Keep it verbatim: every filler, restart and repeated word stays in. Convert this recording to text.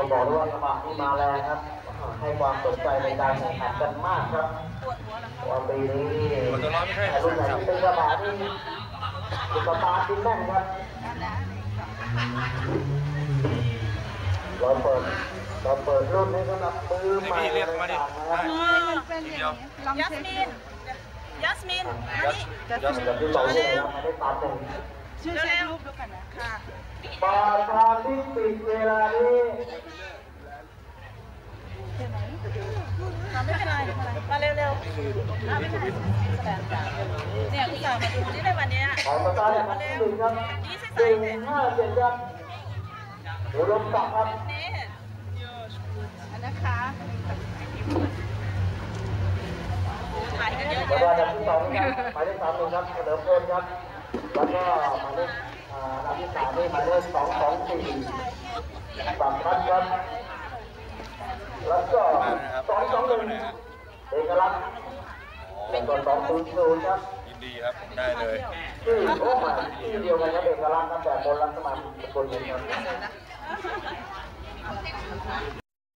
บอกด้วยว่าสมัครที่มาแรงครับให้ความสนใจในการแข่งขันกันมากครับวันปีนี้รุ่นไหนที่เป็นกระบะที่สุดตาดิ้นแน่นครับเราเปิดเราเปิดรุ่นนี้สำหรับมือใหม่เรียกมาดิเป็นยัสมินยัสมินมาดิยัสมินที่เราได้ได้ตามหนึ่งชื่อเช็ครูปดูกันนะค่ะปาทางที่ปิดเวลานี้ไม่เป็นไรมาเร็วๆไม่เป็นไรแสดงการเนี่ยคุณสาวมาดูที่ในวันนี้ขอประกาศอย่างที่หนึ่งครับหนึ่งห้าเจ็ดครับเดี๋ยวลงตักครับนี่อันนะคะถ่ายกันเยอะๆแล้วก็อันดับที่สองครับหมายเลขสามหนึ่งครับเฉลิมพลครับแล้วก็หมายเลขอันดับที่สามนี่หมายเลขสองสองสี่สัมพันธ์ครับแล้วก็สองสองหนึ่งเอกลักษณ์เป็นตัวสองศูนย์ศูนย์ครับยินดีครับได้เลยชื่อโอ้มาชื่อเดียวกันครับเอกลักษณ์ครับแต่คนละสมาชิกคนหนึ่งครับ